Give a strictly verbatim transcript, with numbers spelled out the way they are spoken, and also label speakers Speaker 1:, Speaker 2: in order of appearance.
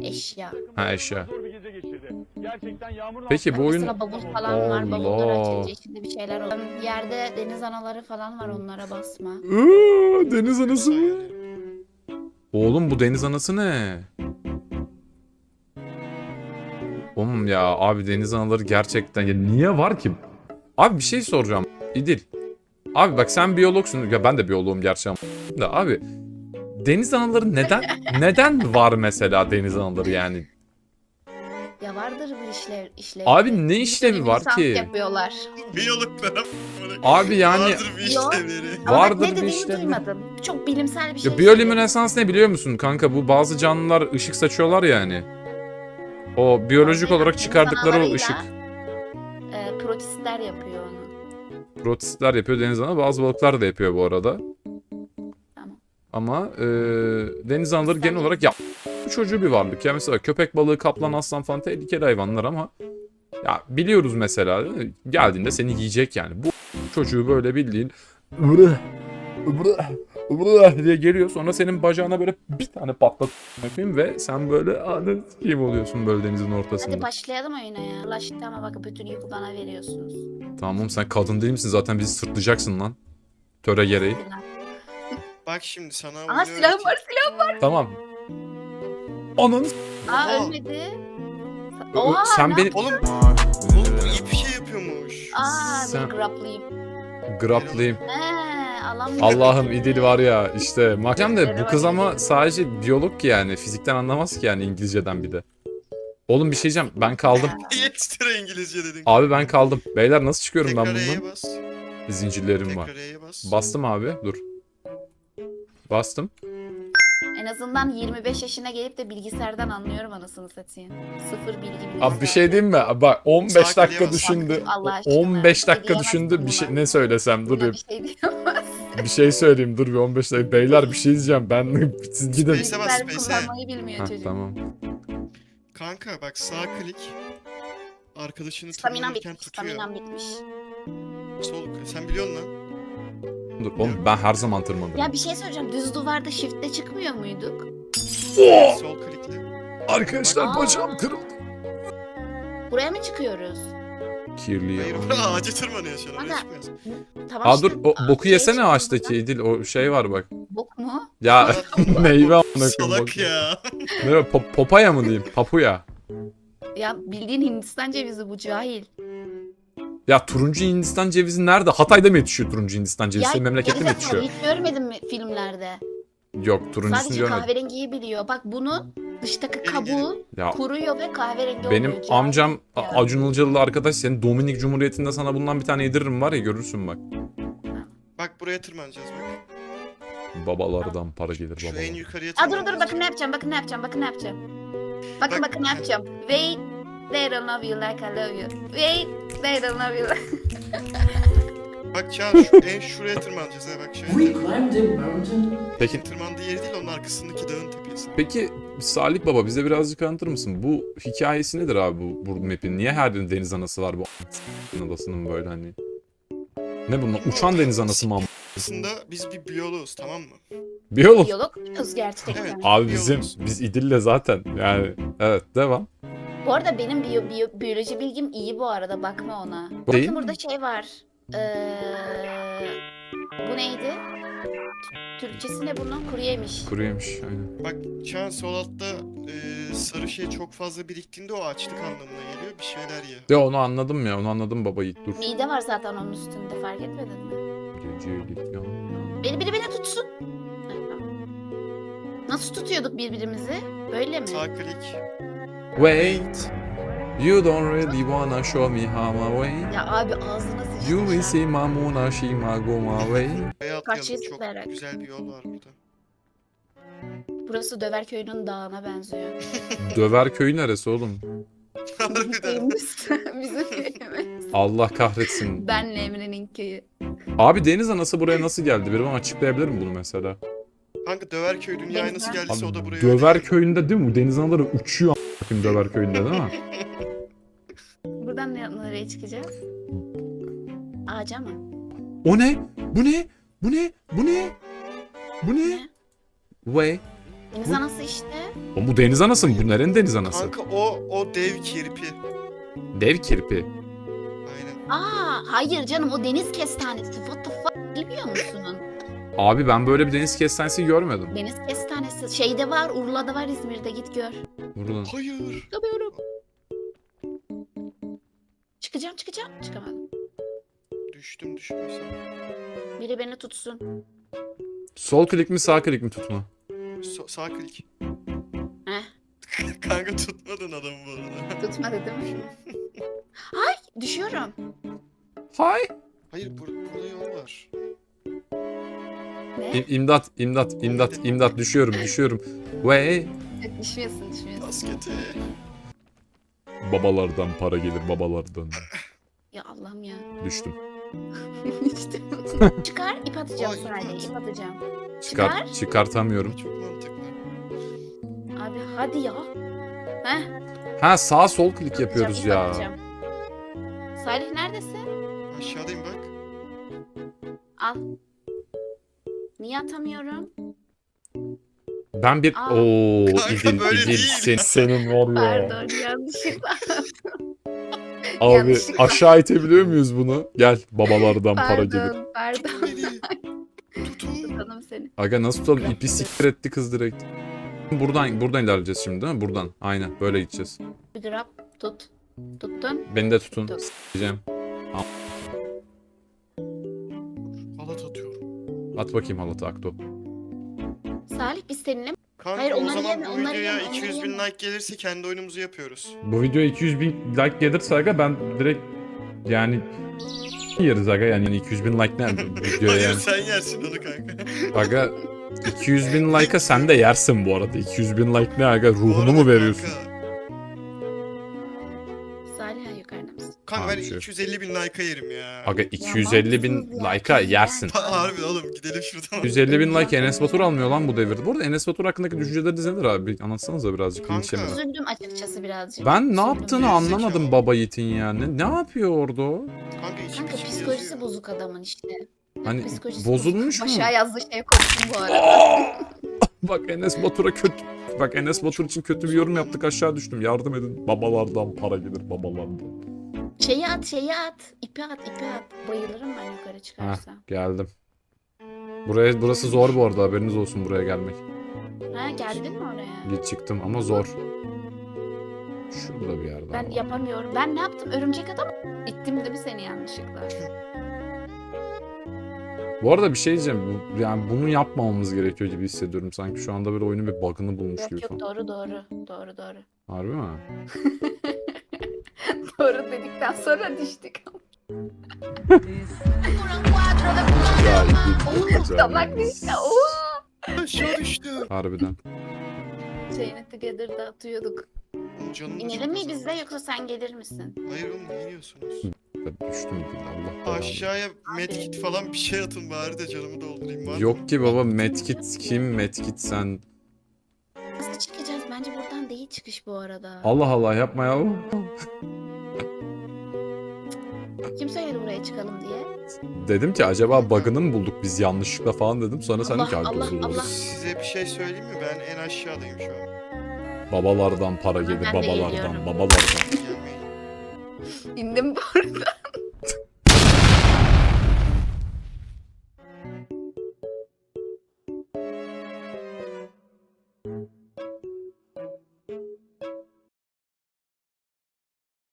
Speaker 1: Eşya.
Speaker 2: Ha, eşya. Peki bu oyun...
Speaker 1: Mesela bavul falan var. Bavulları
Speaker 2: Allah.
Speaker 1: açınca içinde bir şeyler oluyor. Yerde deniz anaları falan var, onlara basma.
Speaker 2: Iıı, deniz anası mı? Oğlum bu deniz anası ne? Oğlum ya abi, deniz anaları gerçekten ya niye var ki? Abi bir şey soracağım. İdil. Abi bak sen biyologsun. Ya ben de biyoloğum gerçi ama. Da abi deniz anaları neden neden var mesela deniz anaları yani?
Speaker 1: Ya vardır bir işlev, işlevi.
Speaker 2: Abi ne işlevi var
Speaker 1: Lisans
Speaker 2: ki?
Speaker 1: yapıyorlar.
Speaker 3: Biyologlara
Speaker 2: Abi yani
Speaker 3: vardır bir
Speaker 1: Yok.
Speaker 3: işlevleri.
Speaker 1: Ama bak
Speaker 2: vardır
Speaker 1: ne
Speaker 2: bir
Speaker 1: dediğini
Speaker 2: işlevi.
Speaker 1: duymadım. Çok bilimsel bir şey
Speaker 2: Ya biyolüminesans
Speaker 1: söyledi.
Speaker 2: ne biliyor musun kanka? Bu bazı canlılar ışık saçıyorlar yani. O biyolojik
Speaker 1: Bazı
Speaker 2: olarak
Speaker 1: deniz
Speaker 2: çıkardıkları o
Speaker 1: analarıyla,
Speaker 2: ışık.
Speaker 1: E, protistler yapıyor onu.
Speaker 2: Protistler yapıyor deniz ana. Bazı balıklar da yapıyor bu arada.
Speaker 1: Tamam.
Speaker 2: Ama e, deniz anaları genel
Speaker 1: Sen
Speaker 2: olarak ya bu çocuğu bir varlık. Ya mesela köpek balığı, kaplan, aslan falan tehlikeli hayvanlar ama ya biliyoruz mesela değil mi? Geldiğinde seni yiyecek yani. Bu çocuğu böyle bildiğin "Vrıh, vrıh, vrıh" diye geliyor, sonra senin bacağına böyle bir tane patlat yapayım ve sen böyle anı kim oluyorsun böyle denizin ortasında.
Speaker 1: Hadi başlayalım oyuna ya. Allah aşkına ama bak bütün yükü bana veriyorsunuz.
Speaker 2: Tamam, sen kadın değil misin zaten, bizi sırtlayacaksın lan. Töre gereği.
Speaker 3: Bak şimdi sana
Speaker 1: Aha
Speaker 3: oyunu
Speaker 1: silahım var,
Speaker 3: öğreteyim.
Speaker 1: silahım.
Speaker 2: Tamam. Ananı s-
Speaker 1: Aa
Speaker 3: Oha.
Speaker 1: ölmedi. Oha
Speaker 2: sen
Speaker 1: ne
Speaker 2: beni
Speaker 1: yap-
Speaker 3: Oğlum, oğlum bu iyi bir şey yapıyormuş.
Speaker 1: Aa
Speaker 2: Sen-
Speaker 1: dur grapplayayım.
Speaker 2: graplayayım.
Speaker 1: He alan
Speaker 2: Allah'ım İdil var ya işte. Makam da bu
Speaker 1: Gözleri
Speaker 2: kız
Speaker 1: var.
Speaker 2: ama sadece biyolog ki yani. Fizikten anlamaz ki yani, İngilizceden bir de. Oğlum bir şey diyeceğim, ben kaldım.
Speaker 3: Niye ekstra İngilizce dedin?
Speaker 2: Abi ben kaldım. Beyler nasıl çıkıyorum ben
Speaker 3: Tekrar E'ye
Speaker 2: bundan?
Speaker 3: bas.
Speaker 2: Zincirlerim var.
Speaker 3: Tekrar E'ye bas.
Speaker 2: Bastım abi, dur. Bastım.
Speaker 1: En azından yirmi beş yaşına gelip de bilgisayardan anlıyorum anasını satayım. Sıfır bilgi bilgisayar.
Speaker 2: Abi bir şey diyeyim mi? Bak on beş
Speaker 3: Sakin
Speaker 2: dakika
Speaker 3: diyemezsin.
Speaker 2: düşündü.
Speaker 1: Allah aşkına.
Speaker 2: on beş
Speaker 1: Bir şey
Speaker 2: dakika
Speaker 1: diyemezsin
Speaker 2: düşündü. Bir şey
Speaker 1: buna.
Speaker 2: ne söylesem, dur
Speaker 1: Buna
Speaker 2: bir,
Speaker 1: bir şey diyemez.
Speaker 2: bir şey söyleyeyim, dur bir on beş dakika. Beyler bir şey diyeceğim. Ben siz gidin.
Speaker 3: Space'e bas,
Speaker 1: Bilgisayar
Speaker 3: Space'e.
Speaker 1: kullanmayı bilmiyor
Speaker 2: Heh,
Speaker 1: çocuk.
Speaker 2: tamam.
Speaker 3: Kanka bak sağ klik. Arkadaşını
Speaker 1: Staminam
Speaker 3: tırmanırken
Speaker 1: bitmiş.
Speaker 3: tutuyor.
Speaker 1: Staminam bitmiş.
Speaker 3: Sol, sen biliyorsun lan.
Speaker 2: Dur oğlum, ben her zaman tırmanırım.
Speaker 1: Ya bir şey söyleyeceğim. Düz duvarda shift'te çıkmıyor muyduk?
Speaker 3: Sol klikle.
Speaker 2: Arkadaşlar
Speaker 1: Aa.
Speaker 2: bacağım kırıldı.
Speaker 1: Buraya mı çıkıyoruz?
Speaker 2: Kirli ya.
Speaker 3: Hayır bura ağaca tırmanıyor şu an. Oraya
Speaker 1: Aga.
Speaker 3: çıkmıyoruz.
Speaker 1: Tamam
Speaker 2: Aa
Speaker 1: işte,
Speaker 2: dur, o boku
Speaker 1: şey
Speaker 2: yesene
Speaker 1: çıkıyor
Speaker 2: ağaçtaki
Speaker 1: buradan.
Speaker 2: İdil, o şey var bak.
Speaker 1: Bok mu?
Speaker 2: Ya meyve amına koyayım.
Speaker 3: Salak
Speaker 2: bak.
Speaker 3: ya.
Speaker 2: Ne o, pop- popaya mı diyeyim? Papuya.
Speaker 1: Ya bildiğin Hindistan cevizi bu, cahil.
Speaker 2: Ya turuncu Hindistan cevizi nerede? Hatay'da mı yetişiyor turuncu Hindistan cevizi? Senin memlekette mi
Speaker 1: gerizekalı,
Speaker 2: yetişiyor?
Speaker 1: hiç görmedin mi filmlerde?
Speaker 2: Yok, turuncusunu
Speaker 1: Sadece
Speaker 2: görmedim.
Speaker 1: kahverengiyi biliyor. Bak bunu dıştaki
Speaker 3: Gelin,
Speaker 1: kabuğu
Speaker 2: Ya
Speaker 1: kuruyor ve kahverengi
Speaker 2: benim
Speaker 1: oluyor. cahil.
Speaker 2: amcam A-
Speaker 1: Ya.
Speaker 2: Acun Ilıcalı'lı arkadaş, senin Dominik Cumhuriyeti'nde sana bundan bir tane yediririm var ya, görürsün bak.
Speaker 3: Bak buraya tırmanacağız bak.
Speaker 2: Babalardan para gelir
Speaker 3: Şu en
Speaker 2: babalar.
Speaker 3: yukarıya
Speaker 1: Aa,
Speaker 3: tırmanacağız.
Speaker 1: dur dur bakın ne yapacağım, bakın ne yapacağım, bakın ne yapacağım. Bakın
Speaker 3: Bak.
Speaker 1: bakın ne yapacağım. Wait, they don't love you like I love you. Wait, they don't love you like...
Speaker 3: Bak Çağan şu en şuraya tırmanacağız ha bak şöyle.
Speaker 4: We climbed a mountain.
Speaker 2: Peki
Speaker 3: Tırmandığı yeri değil onun arkasındaki dağın tepesi.
Speaker 2: peki Salih Baba, bize birazcık anlatır mısın? Bu hikayesi nedir abi bu, bu map'in? Niye her birinin deniz anası var bu a**ın adasının böyle hani? Ne bunlar? Uçan deniz anası mı? am-
Speaker 3: Aslında biz bir biyoloğuz tamam mı?
Speaker 2: Biyolog.
Speaker 1: Biyolog muyuz gerçekten?
Speaker 3: Evet.
Speaker 2: Abi bizim,
Speaker 3: Biyologuz.
Speaker 2: biz İdil'le zaten yani. Evet, devam.
Speaker 1: Bu arada benim biyo, biyo, biyoloji bilgim iyi bu arada, bakma ona.
Speaker 2: Değil
Speaker 1: Bakın
Speaker 2: mi?
Speaker 1: burada şey var. Ee, bu neydi? T- Türkçesi ne bunun? Kuru yemiş.
Speaker 2: Kuru yemiş, aynen.
Speaker 3: Bak Çağan sol altta e, sarı şey çok fazla biriktiğinde o açlık anlamına geliyor. Bir şeyler ye.
Speaker 2: Ya onu anladım ya, onu anladım baba, Yiğit, dur.
Speaker 1: Mide var zaten onun üstünde, fark etmedin mi?
Speaker 2: Gecelik yan yan.
Speaker 1: Beni biri beni tutsun. Heh, tamam. Nasıl tutuyorduk birbirimizi? Böyle mi?
Speaker 3: Sağ klik.
Speaker 2: Wait, you don't really wanna show me how my way.
Speaker 1: Ya abi ağzına sıçtı
Speaker 2: You will
Speaker 1: şu an.
Speaker 2: see Mamuna Shima go my way.
Speaker 3: Buraya
Speaker 1: Karşıya
Speaker 3: atlayalım. Çok
Speaker 1: zıplayarak.
Speaker 3: güzel bir yol var burada.
Speaker 1: Burası Döverköy'ün dağına benziyor.
Speaker 2: Döver köyü neresi oğlum?
Speaker 3: Harbiden.
Speaker 1: Köyümüz. Bizim köyümüz.
Speaker 2: Allah kahretsin.
Speaker 1: Benle Emre'nin köyü.
Speaker 2: Abi deniz anası buraya nasıl geldi? Biri bana açıklayabilir mi bunu mesela?
Speaker 3: Kanka Döverköy dünyaya
Speaker 1: Deniz
Speaker 3: nasıl
Speaker 1: var.
Speaker 3: geldiyse o da
Speaker 2: Abi,
Speaker 3: buraya
Speaker 2: Döver
Speaker 3: öyle
Speaker 2: köyünde değil mi? Bu deniz anaları uçuyor a**ım Döver köyünde değil mi?
Speaker 1: Buradan ne- nereye çıkacağız? Ağaca mı?
Speaker 2: O ne? Bu ne? Bu ne? Bu ne? Bu ne?
Speaker 1: Ne?
Speaker 2: Way.
Speaker 1: Deniz
Speaker 2: Bu-
Speaker 1: anası işte.
Speaker 2: O bu deniz anası mı? Bu nerenin deniz anası?
Speaker 3: Kanka o o dev kirpi.
Speaker 2: Dev kirpi.
Speaker 3: Aynen.
Speaker 1: Aa hayır canım o deniz kestanesi. What the fuck bilmiyor musun?
Speaker 2: Abi ben böyle bir deniz kestanesi görmedim.
Speaker 1: Deniz kestanesi şeyde var, Urla'da var, İzmir'de git gör.
Speaker 2: Buradan.
Speaker 3: Hayır.
Speaker 1: Çıkamıyorum. Çıkacağım çıkacağım. Çıkamadım.
Speaker 3: Düştüm düşmesem.
Speaker 1: Biri beni tutsun.
Speaker 2: Sol klik mi sağ klik mi tutma?
Speaker 3: So- sağ klik.
Speaker 1: Heh.
Speaker 3: Kanka tutmadın adamı bu arada.
Speaker 1: Tutmadı değil mi? Ay düşüyorum.
Speaker 2: Hay.
Speaker 3: Hayır bur burada yol var.
Speaker 1: Ne?
Speaker 2: İm- İmdat, imdat, imdat, imdat. Düşüyorum, düşüyorum. Ve
Speaker 1: Düşmüyorsun düşmüyorsun.
Speaker 3: Basketi.
Speaker 2: babalardan para gelir, babalardan.
Speaker 1: Ya Allah'ım ya.
Speaker 2: Düştüm.
Speaker 1: İşte. Çıkar ip atacağım
Speaker 3: Ay, ip
Speaker 1: sadece
Speaker 3: at.
Speaker 1: ip atacağım.
Speaker 2: Çıkar,
Speaker 1: Çıkar.
Speaker 2: çıkartamıyorum.
Speaker 3: Çok mantıklı.
Speaker 1: Abi hadi ya. Heh.
Speaker 2: Ha sağ sol klik yapıyoruz
Speaker 1: ip
Speaker 2: ya.
Speaker 1: atacağım. Salih neredesin?
Speaker 3: Aşağıdayım bak.
Speaker 1: Al. Niye atamıyorum?
Speaker 2: Ben bir
Speaker 1: Aa.
Speaker 2: ooo
Speaker 3: Kanka,
Speaker 2: İdil,
Speaker 3: böyle
Speaker 2: İdil
Speaker 3: değil.
Speaker 2: sen, senin var ya.
Speaker 1: Pardon yanlışlıkla.
Speaker 2: Abi
Speaker 1: yanlışlıkla.
Speaker 2: aşağı itebiliyor muyuz bunu? Gel babalardan para gelir.
Speaker 1: Pardon pardon.
Speaker 3: Beni. Tutun.
Speaker 1: Tutalım seni.
Speaker 2: Aga nasıl tutalım? İpi siktir etti kız direkt. Buradan buradan ilerleyeceğiz şimdi değil mi? Buradan. Aynen böyle gideceğiz.
Speaker 1: Bir grab tut. Tuttun.
Speaker 2: Beni de tutun.
Speaker 1: Tut.
Speaker 2: S**eceğim.
Speaker 3: Halat atıyorum.
Speaker 2: At bakayım halatı Akto.
Speaker 1: Salih biz seninle
Speaker 3: Kanka
Speaker 1: Hayır,
Speaker 3: o
Speaker 1: onları
Speaker 3: zaman
Speaker 1: yeme,
Speaker 3: bu
Speaker 1: onları
Speaker 3: videoya
Speaker 1: yeme, onları
Speaker 3: iki yüz bin
Speaker 1: yeme.
Speaker 3: like gelirse kendi oyunumuzu yapıyoruz.
Speaker 2: Bu video iki yüz bin like gelirse aga ben direkt yani yeriz aga yani iki yüz bin like ne videoya
Speaker 3: Hayır
Speaker 2: yani.
Speaker 3: sen yersin onu kanka.
Speaker 2: Aga iki yüz bin like'a sen de yersin bu arada. iki yüz bin like ne aga
Speaker 3: Bu
Speaker 2: ruhunu
Speaker 3: arada
Speaker 2: mu veriyorsun?
Speaker 3: Kanka,
Speaker 1: Salih yukarıda mısın?
Speaker 3: kanka
Speaker 2: Tamam,
Speaker 3: ben
Speaker 2: şey.
Speaker 3: iki yüz elli bin like'a yerim ya.
Speaker 2: Aga iki yüz elli bin
Speaker 1: mantıksız ya,
Speaker 2: like'a
Speaker 1: yani.
Speaker 2: yersin.
Speaker 3: Ha, harbi oğlum gidelim şuradan.
Speaker 2: iki yüz elli bin like Enes Batur almıyor lan bu devirde. Bu arada Enes Batur hakkındaki düşünceleriniz nedir abi? Bir anlatsanıza birazcık.
Speaker 3: Kanka.
Speaker 2: linç yemeden.
Speaker 1: Üzüldüm açıkçası birazcık.
Speaker 2: Ben ne
Speaker 1: Üzüldüm.
Speaker 2: yaptığını
Speaker 3: Gerizekalı.
Speaker 2: anlamadım baba yiğitin yani. Ne yapıyor orada o?
Speaker 3: Kanka içim
Speaker 1: Kanka
Speaker 3: içim
Speaker 1: psikolojisi
Speaker 3: yazıyor.
Speaker 1: bozuk adamın işte.
Speaker 2: Hani
Speaker 1: Psikolojisi
Speaker 2: bozulmuş mu?
Speaker 1: bozuk. Aşağı yazdığı şeye koydum bu arada.
Speaker 2: Bak Enes Batur'a kötü. Bak Enes Batur için kötü bir yorum yaptık aşağı düştüm. Yardım edin. Babalardan para gelir babalardan.
Speaker 1: Şeyi at şeyi at. İpi at ipi at. Bayılırım ben yukarı çıkarsam.
Speaker 2: Geldim. Buraya burası zor bu arada haberiniz olsun buraya gelmek.
Speaker 1: Ha geldin mi oraya?
Speaker 2: Git çıktım ama zor. Şurada bir yerde.
Speaker 1: Ben
Speaker 2: ama.
Speaker 1: yapamıyorum. Ben ne yaptım? Örümcek adam ittim değil mi seni yanlışlıkla?
Speaker 2: Bu arada bir şey diyeceğim. Bu- Yani bunu yapmamamız gerekiyor gibi hissediyorum. Sanki şu anda böyle oyunun bir bug'ını bulmuş
Speaker 1: Yok
Speaker 2: gibi
Speaker 1: yok
Speaker 2: falan.
Speaker 1: doğru doğru. Doğru doğru.
Speaker 2: Harbi mi?
Speaker 1: Doğru dedikten sonra düştük.
Speaker 2: Ya iyi.
Speaker 1: Oo, tabak düştü. Oo.
Speaker 3: Aşağı düştü.
Speaker 2: Harbiden.
Speaker 1: Şeyini together'da atıyorduk.
Speaker 3: Oğlum canım da
Speaker 1: İnelim
Speaker 3: çok
Speaker 1: mi
Speaker 3: azaldı.
Speaker 1: biz de yoksa sen gelir misin?
Speaker 3: Hayır oğlum ne iniyorsunuz?
Speaker 2: Ben düştüm değil Allah belanı.
Speaker 3: Aşağıya medkit falan bir şey atın bari de canımı doldurayım var mı?
Speaker 2: Yok ki baba medkit kim medkit sen.
Speaker 1: Nasıl çıkacağız? Bence buradan değil çıkış bu arada.
Speaker 2: Allah Allah yapma ya.
Speaker 1: Kim söyledi buraya çıkalım diye?
Speaker 2: Dedim ki acaba bug'ını mı bulduk biz yanlışlıkla falan dedim. Sonra sen
Speaker 1: Allah,
Speaker 2: ki "Ay,
Speaker 1: Allah,
Speaker 2: bozuldu."
Speaker 1: Allah.
Speaker 3: Size bir şey söyleyeyim mi? Ben en aşağıdayım şu an.
Speaker 2: Babalardan para gelir
Speaker 1: Ben de
Speaker 2: babalardan
Speaker 1: geliyorum.
Speaker 2: babalardan.
Speaker 3: Gelmeyin.
Speaker 1: İndim bu arada.